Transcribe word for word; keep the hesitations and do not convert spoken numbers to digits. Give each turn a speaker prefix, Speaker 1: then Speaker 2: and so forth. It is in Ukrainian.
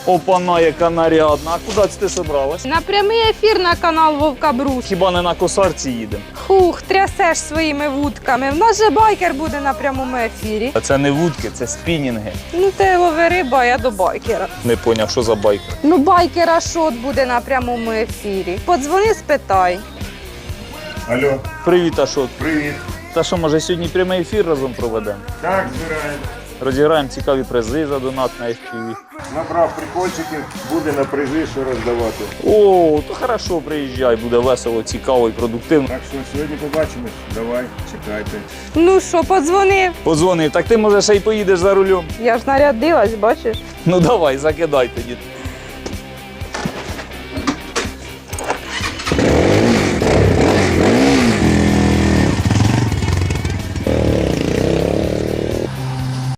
Speaker 1: Опана, яка нарядна. А куди це ти собралась?
Speaker 2: На прямий ефір на канал Вовка Брус.
Speaker 1: Хіба не на косарці їдемо?
Speaker 2: Хух, трясеш своїми вудками. В нас же байкер буде на прямому ефірі.
Speaker 1: А це не вудки, це спінінги.
Speaker 2: Ну ти лови риба, а я до байкера.
Speaker 1: Не поняв, що за байк.
Speaker 2: Ну байкера шот буде на прямому ефірі. Подзвони, спитай.
Speaker 3: Алло,
Speaker 1: Привіт, Ашот.
Speaker 3: привіт.
Speaker 1: Та що, може сьогодні прямий ефір разом проведемо?
Speaker 3: Так, збираємо.
Speaker 1: Розіграємо цікаві призи за донат на еф пі ві.
Speaker 3: Набрав прикольчиків, буде на призи, що роздавати.
Speaker 1: О, то хорошо, приїжджай, буде весело, цікаво і продуктивно.
Speaker 3: Так що сьогодні побачимось. Давай, чекайте.
Speaker 2: Ну що, подзвонив?
Speaker 1: Подзвони, так ти може ще й поїдеш за рулем.
Speaker 2: Я ж нарядилась, бачиш?
Speaker 1: Ну давай, закидай тоді.